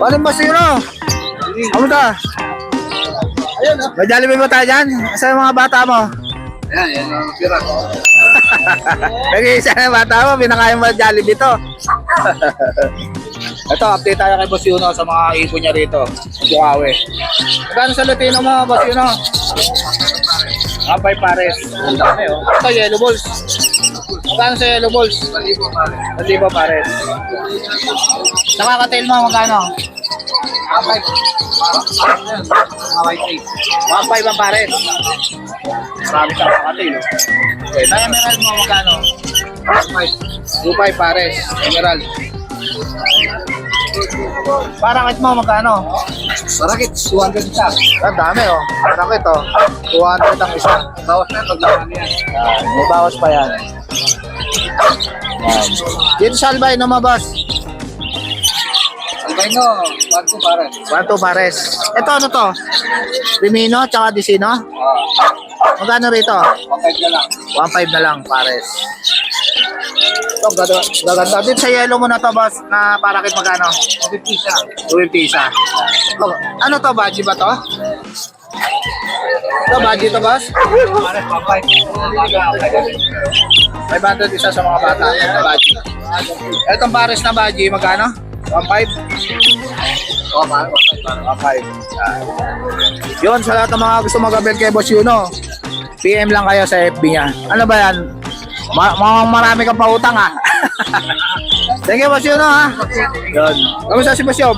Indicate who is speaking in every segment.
Speaker 1: Ano ba sino? Ano ka?
Speaker 2: Ayun,
Speaker 1: May Jollibee ba tayo dyan? Asa yung mga bata mo?
Speaker 2: Yan ang pira.
Speaker 1: Nag-iisa na yung bata mo, pinakain mo Jollibee to. Ito, update tayo kay Boss Yuno sa mga ibon niya rito. Bukawi. Magkano sa Lutino mo, Boss Yuno? 5 pares. Ang dami, oh. Ito, yellow balls. Magkano sa yellow balls? 1,000 pares. Nakaka-tail mo, magkano? 1,500 ang pares. Marami ka nakaka-tail, oh. Okay, na emerald mo, magkano? 2,500 pares. Emerald. Parakit mo, magkano?
Speaker 2: Parakit, 200 isa.
Speaker 1: Ang dami, oh. Parakit, oh. 200 ang isa.
Speaker 2: Bawas na, paglaman yan.
Speaker 1: Yan, may bawas pa yan. Yan. Dito sa albino mo, boss.
Speaker 2: Albino, 1-2 pares.
Speaker 1: 1,2 pares. Ito, ano to? Rimino, tsaka Disino? Magkano rito?
Speaker 2: 1-5 na lang.
Speaker 1: 1,500 na lang, pares. Ito, gaganda. Dito sa yellow mo na to, boss, na parakit magkano?
Speaker 2: 250 isa.
Speaker 1: 250 isa. Oh, ano to, badge ba to? Ito, badge to, boss?
Speaker 2: Pares,
Speaker 1: 500 isa sa mga bata na badge. Itong pares na badge, magkano? 1,500?
Speaker 2: Oh, pares,
Speaker 1: 1,500. Yun, sa lahat ng mga gusto mag-abel kay Boss Yuno, PM lang kayo sa FB niya. Ano ba yan? Marami kang pautang, ha? Thank you, Boss Yuno, ha? Yun. Kamusta si Boss Yob?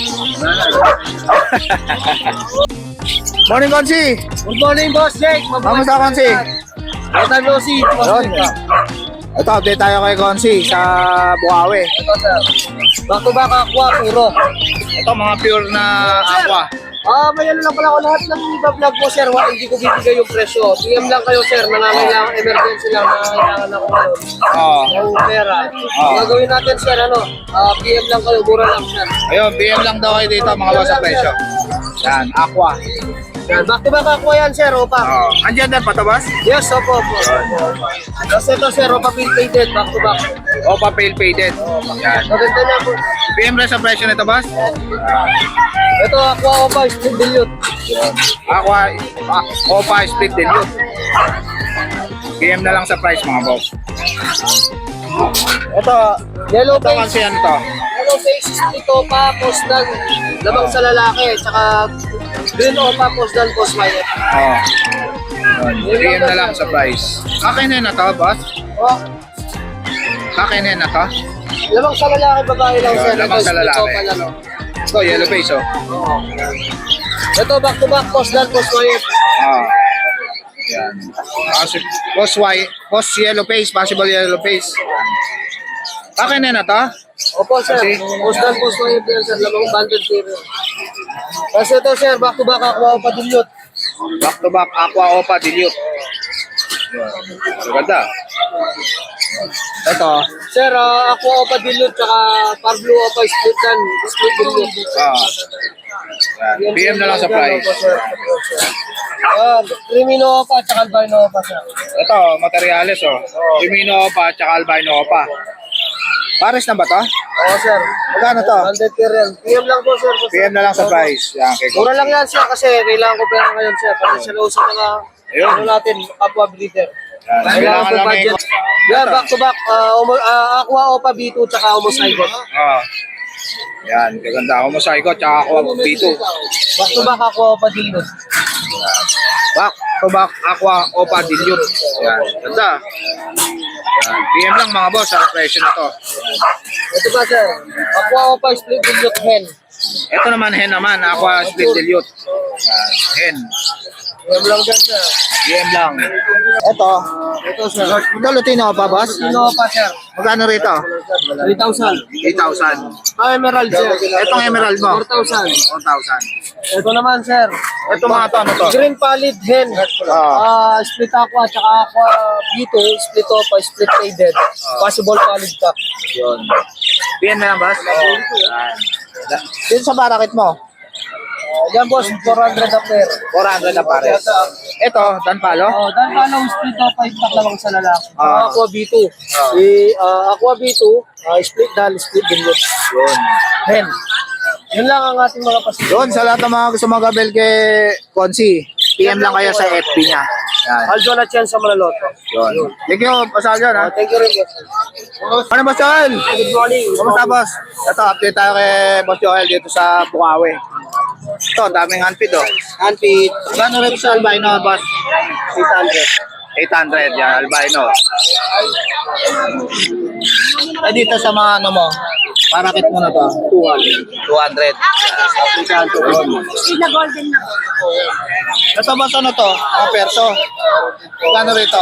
Speaker 1: Morning, Konsi.
Speaker 2: Good morning, Boss Jake.
Speaker 1: Kamusta, Konsi?
Speaker 2: Ito, Lucy.
Speaker 1: Yun. Ito, update tayo kay Konsi sa Bukawi.
Speaker 2: Ito, sir. Back to back, aqua, puro.
Speaker 1: Ito, mga pure na aqua.
Speaker 2: May ano lang pala ako lahat ng vlog mo, sir. Hindi ko bibigay yung presyo. PM lang kayo, sir. Nangangailangan, emergency lang. Nangangailangan ako ngayon.
Speaker 1: Oo.
Speaker 2: Yung pera.
Speaker 1: Oo.
Speaker 2: Gagawin natin, sir, PM lang kayo. Mura lang, sir.
Speaker 1: Ayun, PM lang daw kayo dito, mga boss sa presyo. Yan, aqua.
Speaker 2: Yan, back to back aqua yan, sir. Opa.
Speaker 1: Andyan din pa to, boss?
Speaker 2: Yes, opo. Tapos ito, sir. Opa, bill painted. Back to back.
Speaker 1: Opa pale faded. Yan.
Speaker 2: Maganda na po.
Speaker 1: PM lang sa presyo nito, boss?
Speaker 2: Ito, aqua, opa, split dilute.
Speaker 1: Aqua, Opa split dilute. PM na lang sa price, mga boss. Ito,
Speaker 2: Yellow
Speaker 1: ito
Speaker 2: face.
Speaker 1: kasi ano to?
Speaker 2: Yellow face, split opa, postal. Labang sa lalaki. Tsaka green opa, postal, post wire.
Speaker 1: Oo. PM na lang sa price. Kakinin na to, boss?
Speaker 2: Oh,
Speaker 1: Kakinin na to?
Speaker 2: labang sa lalaki, babae lang, sir.
Speaker 1: Labang
Speaker 2: Ito,
Speaker 1: sa
Speaker 2: split
Speaker 1: lalaki.
Speaker 2: opa lang.
Speaker 1: Ito, yellow face, oh.
Speaker 2: Oo. Ito, back to back, postal, post wire.
Speaker 1: Ah. Yan. Post yellow face, possible yellow face. Kakinin na to?
Speaker 2: Opo, sir.
Speaker 1: Kasi-
Speaker 2: Postal, post wire yan, sir. Labang banded period. Kasi ito, sir, back to back, aqua, opa, dilute.
Speaker 1: Back to back, aqua, opa, dilute. Yan. Maganda. Ito.
Speaker 2: Sir, aqua, opa, dilute, tsaka par blue, opa, split dan, split dilute.
Speaker 1: Ah. Yan. PM na lang sa price.
Speaker 2: Crimino opa, tsaka albino opa, sir.
Speaker 1: Ito, materials, oh. Rimino opa, tsaka albino opa. Pares na ba to?
Speaker 2: Oo, sir.
Speaker 1: Magkano to?
Speaker 2: 100 per yan. PM lang po, sir.
Speaker 1: PM na lang sa price. Yan, kay
Speaker 2: Mura lang yan, sir, kasi kailangan ko pera ngayon, sir. Kasi sa nauso mga,
Speaker 1: Ayun.
Speaker 2: ano natin, kapwa breeder.
Speaker 1: Yan,
Speaker 2: Kailangan ko
Speaker 1: lang
Speaker 2: budget. Yan, back to back, aqua opa B2, tsaka homozygote.
Speaker 1: Ah. Yan, gaganda. Homozygote, tsaka aqua B2.
Speaker 2: Back to back, aqua opa dilute.
Speaker 1: Back to back, aqua, opa, dilute. Yan, ganda. Yan, PM lang mga boss, sa presyo na to.
Speaker 2: Ito ba, sir? Aqua opa split dilute hen.
Speaker 1: Ito naman, hen naman, aqua split dilute. Yan, hen.
Speaker 2: PM lang dyan, sir.
Speaker 1: PM lang. Ito.
Speaker 2: Ito, sir.
Speaker 1: Ito, Lutino pa, boss?
Speaker 2: Crimino opa, sir.
Speaker 1: Magkano rito?
Speaker 2: 3,000.
Speaker 1: 8,000.
Speaker 2: Emerald, sir.
Speaker 1: Itong emerald mo?
Speaker 2: 4,000.
Speaker 1: 1,000.
Speaker 2: Ito naman, sir.
Speaker 1: Ito mga to, ano to?
Speaker 2: Green pallid hen. Split aqua, tsaka aqua B2, split opa, split faded. Possible pallid cup.
Speaker 1: Yun. PM na lang, boss? Yan. Dito sa barakit mo?
Speaker 2: Yan, boss, 400 a pair.
Speaker 1: 400 na pares. Ito, Danpalo?
Speaker 2: Dan palong split opa, itak lamang sa lalaki.
Speaker 1: Ah.
Speaker 2: Aqua B2. Aqua B2, split dan, split dilute.
Speaker 1: Yun.
Speaker 2: Hen. Yun lang ang ating mga pasilyo.
Speaker 1: Yun, sa lahat ng mga gusto mag-abel kay Consi, PM lang kayo sa FB niya. Yan.
Speaker 2: Aljo na Chen sa Malaloto.
Speaker 1: Yun. Thank you, Pasal yan ha.
Speaker 2: Thank you rin, boss.
Speaker 1: Ano Boss Joel?
Speaker 2: Good morning.
Speaker 1: Kumusta boss? Ito, update tayo kay Boss Joel dito sa Bukawi. Ito, daming handpid oh.
Speaker 2: Handpid,
Speaker 1: Gano'n rin sa albino boss?
Speaker 2: 800.
Speaker 1: 800, yan, albino. Eh dito sa mga ano mo, parakit mo na to? 200. 200.
Speaker 3: Sila golden na po.
Speaker 1: Ito boss, ano to? Mga perso. Gano'n rito?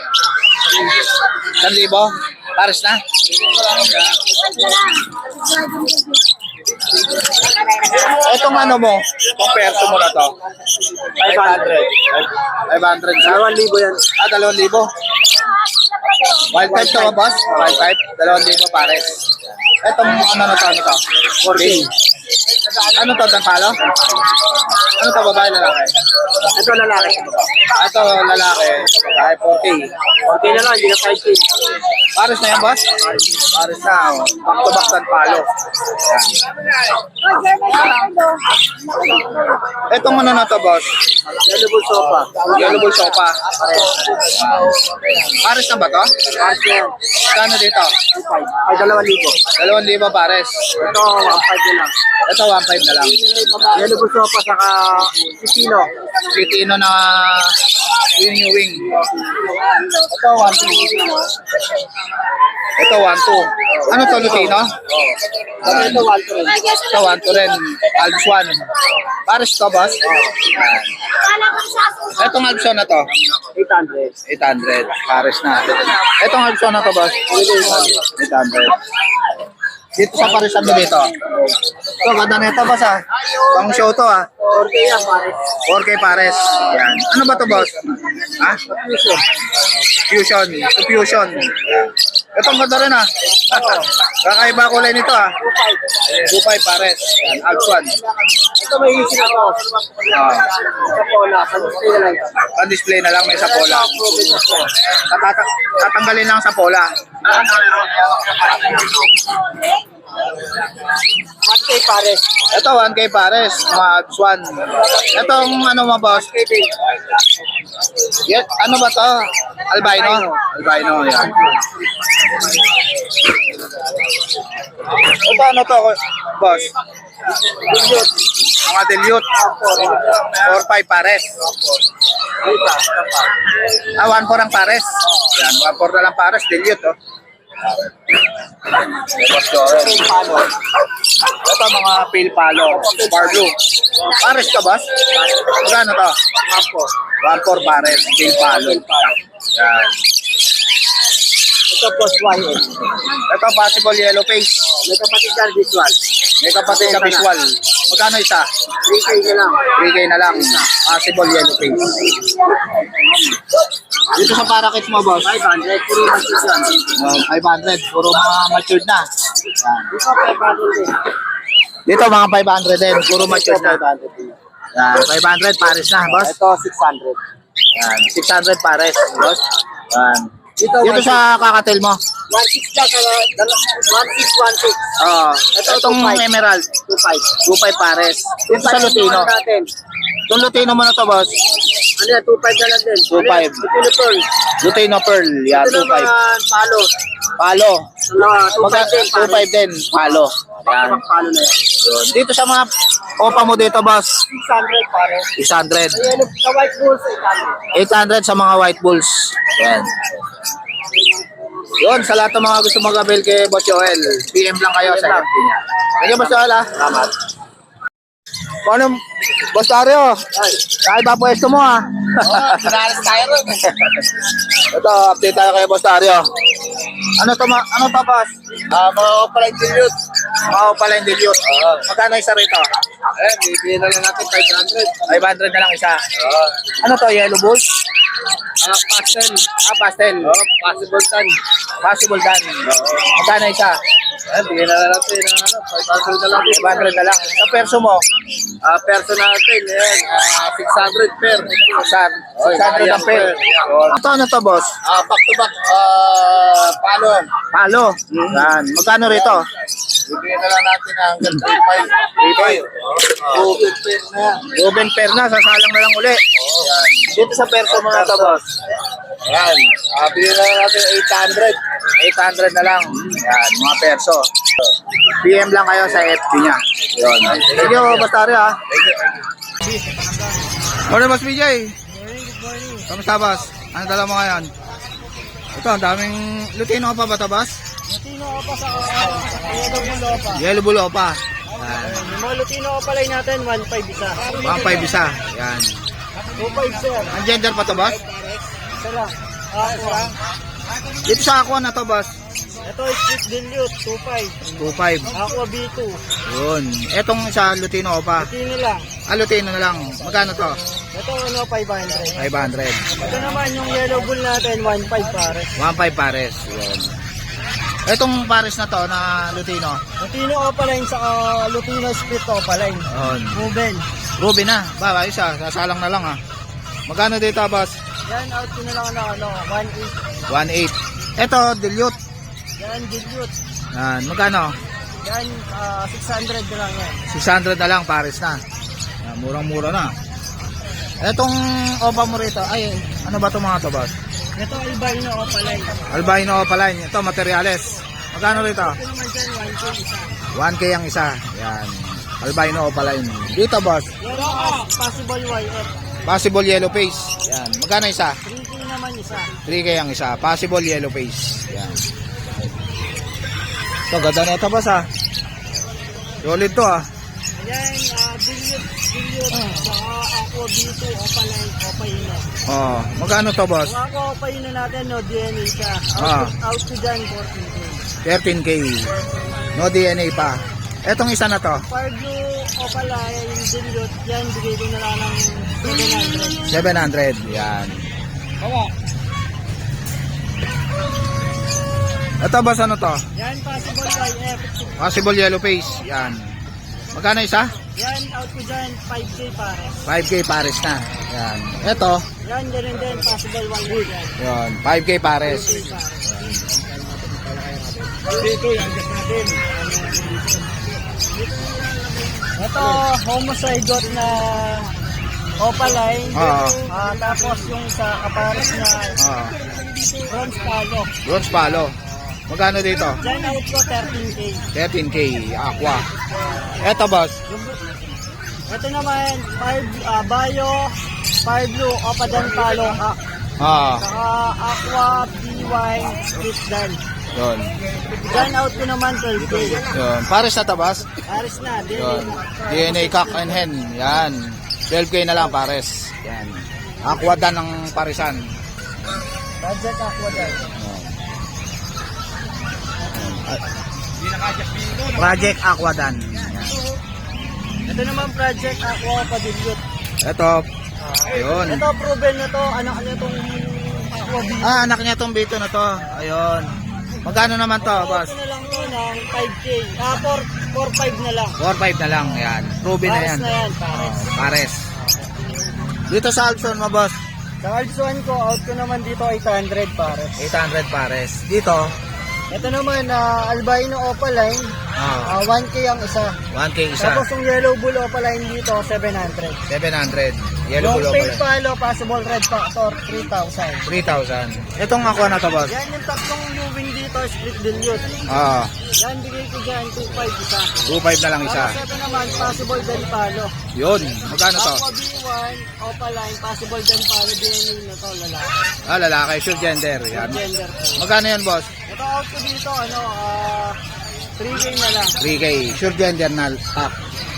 Speaker 1: 1,000? Pares na? Itong ano mo, itong perso mo na to? 500. 500 sa?
Speaker 2: 2,000 yan.
Speaker 1: 2,000. Wild type to ba, boss? Wild type, 2,000 pares. Itong ano na to, ano to?
Speaker 2: 14.
Speaker 1: Ano to, Dampalo? Ano to, babae, lalaki?
Speaker 2: Ito lalaki.
Speaker 1: Ito, lalaki. Babae, 40.
Speaker 2: 14 na lang, hindi na 5K.
Speaker 1: Pares na yan, boss? Pares na. Oh. Back to back Dampalo. Itong ano na to, boss?
Speaker 2: Yellow bull sofa.
Speaker 1: Yellow bull sopa. Pares na ba to?
Speaker 2: Pares na yan.
Speaker 1: Kano dito?
Speaker 2: 5. Ay, 2,000.
Speaker 1: 2,000 pares.
Speaker 2: Ito, 1,500 na lang.
Speaker 1: Ito, 1,500 na lang.
Speaker 2: Yellow bull sofa, saka Pipino.
Speaker 1: Pilipino na wing. Ito, 1,200. Ito, 1,200. Ano to, Lutino?
Speaker 2: Ito, 1,200.
Speaker 1: Ito, 1,200 rin. Alps 1. Pares to, boss? Itong Alps 1 na to?
Speaker 2: 800.
Speaker 1: 800. Pares na. Itong Alps 1 na to, boss? 800. Dito sa parisan mo dito. Ito, ganda na ito, boss, ha? Pang show to, ha?
Speaker 2: 4K yan, pare.
Speaker 1: 4K pares. Yan. Ano ba to, boss? Ha? Fusion. Ito, fusion. Ito, ang ganda rin, ha? Kakaiba kulay nito, ha? 2.5 pares. Yan, Alps 1.
Speaker 2: Ito may easy na to. Sa Pola, sa display na lang.
Speaker 1: Pan-display na lang, may sapola. Tatanggalin lang sa pola.
Speaker 2: 1K pare.
Speaker 1: Ito, 1K pares. Mga Alps 1. Itong ano mo, boss? Yan, ano ba to? Albino? Albino, yan. Ito, ano to, boss? Mga dilute. 4-5 pares. 1-4 ang pares. Yan, 1-4 na lang pares. Dilute, oh. Ito, mga pale palo. Star blue. Pares ka, boss? Magkano to? 1-4 pares. Pale palo. Yan.
Speaker 2: Ito post white.
Speaker 1: Ito, possible yellow face.
Speaker 2: May kapatid yan visual.
Speaker 1: May kapatid sa visual. Magkano isa?
Speaker 2: 3K na lang.
Speaker 1: 3K na lang. Possible yellow face. Dito sa parakit mo, boss?
Speaker 2: 500. Puro masis yan.
Speaker 1: 500. Puro mga matured na. Yan.
Speaker 2: Ito 500 din.
Speaker 1: Dito, mga 500 din. Puro matured na.
Speaker 2: 500 din.
Speaker 1: Yan. 500 pares na, boss.
Speaker 2: Ito 600.
Speaker 1: Yan. 600 pares, boss. Yan.
Speaker 2: Dito
Speaker 1: Dito sa kakatil mo.
Speaker 2: 16 lang. 1616.
Speaker 1: Oo. Itong emerald.
Speaker 2: 25.
Speaker 1: 2.5 pares. Dito sa Lutino.
Speaker 2: Natin.
Speaker 1: Itong Lutino mo na to, boss.
Speaker 2: Ano yan? 2.5 na lang din.
Speaker 1: 2.5.
Speaker 2: Ito pearl.
Speaker 1: Lutino Pearl. Yan,
Speaker 2: Ito
Speaker 1: 2.5.
Speaker 2: naman palo.
Speaker 1: Palo.
Speaker 2: Ano, 2.5 din.
Speaker 1: 2.5 din. Palo. Yan.
Speaker 2: Palo na yan.
Speaker 1: Yun. Dito sa mga opa mo dito, boss.
Speaker 2: 600 pare.
Speaker 1: 600.
Speaker 2: Ayan, sa white bulls, 800.
Speaker 1: 800 sa mga white bulls. Yan. Yun, sa lahat ng mga gusto mag-avail kay Boss Joel, PM lang kayo sa FB niya. Thank you, Boss Joel, ha? Salamat. Paano, Boss Dario? Kahit ba pwesto mo, ha?
Speaker 2: Pinalas tayo rin.
Speaker 1: Ito, update tayo kay Boss Dario. Ano to, boss?
Speaker 2: Mga opaline dilute.
Speaker 1: Mga pala yung dilute. Magkano isa rito?
Speaker 2: Bibigyan na lang natin 500.
Speaker 1: 500 na lang isa. Ano to, yellow bulls?
Speaker 2: Pastel.
Speaker 1: Pastel.
Speaker 2: Possible tan.
Speaker 1: Possible dan. Magkano isa?
Speaker 2: Bigyan na lang natin. 500 na lang.
Speaker 1: 500 na lang. Sa perso mo?
Speaker 2: Perso natin. Ayan. 600 per.
Speaker 1: 600 ang per. Ano to, boss?
Speaker 2: Back to back. Palo.
Speaker 1: Palo. Yan. Magkano rito?
Speaker 3: Bibigyan na lang natin ng 3.5. 3.5.
Speaker 1: Ruben pair na, sasalang na lang uli.
Speaker 3: Yan.
Speaker 2: Dito sa perso mga tabas.
Speaker 3: Yan. Bigyan na lang natin 800.
Speaker 1: 800 na lang. Yan, mga perso. PM lang kayo sa FB niya. Yun. Thank you, Bastari ha. Morning, Boss BJ. Kamusta, Boss? Ano dala mo ngayon? Ito, ang daming Lutino ka pa ba ito, Boss?
Speaker 2: Lutino ka pa sa Yellow Bull Opa.
Speaker 1: Yellow Bull Opa. Yan.
Speaker 2: Yung mga Lutino ka palay natin, 1.5 isa.
Speaker 1: 1.5 isa. Yan.
Speaker 2: 2.5 sir.
Speaker 1: Ang gender pa to, Boss?
Speaker 2: Isa lang. Aqua.
Speaker 1: Dito sa Aqua na to, Boss.
Speaker 2: Ito is Split Dilute, 2.5.
Speaker 1: 2.5.
Speaker 2: Aqua B2.
Speaker 1: Yun. Etong sa Lutino Opa.
Speaker 2: Lutino lang.
Speaker 1: Lutino na lang. Magkano to?
Speaker 2: Ito 500.
Speaker 1: 500.
Speaker 2: Ito naman yung Yellow Bull natin, 1.5 pares.
Speaker 1: 1.5 pares. Yun. Etong pares na to na Lutino.
Speaker 2: Lutino Opaline sa Lutino Split Opaline.
Speaker 1: Yun.
Speaker 2: Ruben.
Speaker 1: Ruby na. Ba, ayos ah. Sasalang na lang ah. Magkano dito, Boss?
Speaker 2: Yan, out ko na lang na 1.8.
Speaker 1: 1.8. Eto, dilute.
Speaker 2: Yan, Dilute.
Speaker 1: Yan. Magkano?
Speaker 2: Yan, 600 na lang yan.
Speaker 1: 600 na lang, pares na. Yan, murang-mura na. Etong Opa mo rito, ay, ano ba itong mga to, Boss?
Speaker 2: Ito Albino Opaline.
Speaker 1: Albino Opaline. Ito, materials. Magkano rito?
Speaker 2: Ito naman dyan, 1K isa.
Speaker 1: 1K ang isa. Yan. Albino Opaline. Dito, Boss.
Speaker 2: Yan, possible YF.
Speaker 1: Possible yellow face. Yan. Magkano isa?
Speaker 2: 3K naman isa.
Speaker 1: 3K ang isa. Possible yellow face. Yan. Ito, ganda na ito, Boss, ah. Solid to, ah.
Speaker 2: Yan, Dilute, saka Aqua B2, Opaline, Opaino.
Speaker 1: Oh, magkano to, Boss?
Speaker 2: Yung Aqua Opaino natin, no, DNA siya. Out to dyan, 14K.
Speaker 1: 13K. No DNA pa. Etong isa na to.
Speaker 2: Pardo Opaline, Dilute, yan, bigay ko na lang ng
Speaker 1: 700.
Speaker 2: 700.
Speaker 1: Yan.
Speaker 2: Oo.
Speaker 1: Ito, Boss, ano to?
Speaker 2: Yan, possible YF.
Speaker 1: Possible yellow face. Yan. Magkano isa?
Speaker 2: Yan, out ko dyan, 5K pares.
Speaker 1: 5K pares na. Yan. Ito.
Speaker 2: Yan, ganun din, possible YF yan.
Speaker 1: Yan. 5K pares.
Speaker 2: 5K pares. Dito, yan, just natin. Ito, homozygote na Opaline.
Speaker 1: Oo.
Speaker 2: Tapos yung sa kapares na
Speaker 1: Oh.
Speaker 2: bronze palo.
Speaker 1: Bronze palo. Magkano dito?
Speaker 2: Yan, out ko 13K.
Speaker 1: 13K. Aqua. Ito, Boss.
Speaker 2: Ito naman, Bayo, Fire Blue, Opadan Palo,
Speaker 1: Ah.
Speaker 2: saka Aqua, BY, Split Dan.
Speaker 1: Yun.
Speaker 2: Yan, out ko naman 12K.
Speaker 1: Yun. Pares na to, Boss?
Speaker 2: Pares na,
Speaker 1: Yun. DNA cock and hen. Yan. 12K na lang pares. Yan. Aqua dan ng parisan.
Speaker 2: Project Aqua Dan.
Speaker 1: Project Aqua dan.
Speaker 2: Ito naman Project Aqua Padilute.
Speaker 1: Ito. Ayun.
Speaker 2: Ito proven na to, anak niya tong Aqua B.
Speaker 1: Anak niya tong bito na to. Ayun. Magkano naman to, Boss?
Speaker 2: Ito na lang to ng 5K. 4.5 na lang.
Speaker 1: 4.5 na lang. Yan. Ruby na
Speaker 2: Pares
Speaker 1: yan.
Speaker 2: na yan, pares.
Speaker 1: Pares. Dito sa Alpson mo, Boss.
Speaker 2: Sa Cards 1 ko, out ko naman dito 800 pares.
Speaker 1: 800 pares. Dito.
Speaker 2: Ito naman, Albino Opaline, 1K ang isa.
Speaker 1: 1K isa.
Speaker 2: Tapos yung Yellow Bull Opaline dito, 700.
Speaker 1: 700. Yellow
Speaker 2: Long
Speaker 1: bulo
Speaker 2: tail
Speaker 1: pala.
Speaker 2: palo, possible red factor, 3,000.
Speaker 1: 3,000. Itong Aqua na to, Boss.
Speaker 2: Yan yung tatlong Lubin dito, split dilute.
Speaker 1: Ah.
Speaker 2: Yan, bigay ko dyan, 2.5 isa.
Speaker 1: 2.5 na lang isa.
Speaker 2: Tapos ito naman, possible dan palo.
Speaker 1: Yun. Magkano to?
Speaker 2: Aqua B1, Opaline, possible dan palo, DNA na to, lalaki.
Speaker 1: Lalaki. Sure gender. Yan.
Speaker 2: Gender ko.
Speaker 1: Magkano yan, Boss?
Speaker 2: Ito out ko dito, 3K na lang.
Speaker 1: 3K. Sure gender na up.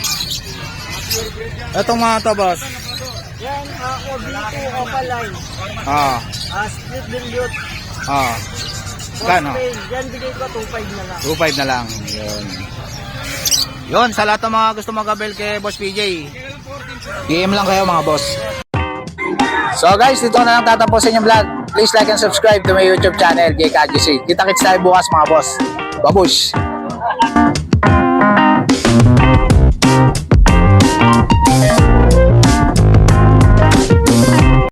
Speaker 1: Itong mga to, Boss.
Speaker 2: Yan, Aqua B2, Opaline.
Speaker 1: Ah.
Speaker 2: Split dilute.
Speaker 1: Ah. Magkano?
Speaker 2: Yan, bigay ko 2.5 na lang.
Speaker 1: 2.5 na lang. Yun. Yun, sa lahat ng mga gusto mag-abel kay Boss PJ, DM lang kayo mga boss. So guys, dito na lang tatapusin yung vlog. Please like and subscribe to my YouTube channel, JKGC. Kita-kits tayo bukas mga boss. Babush!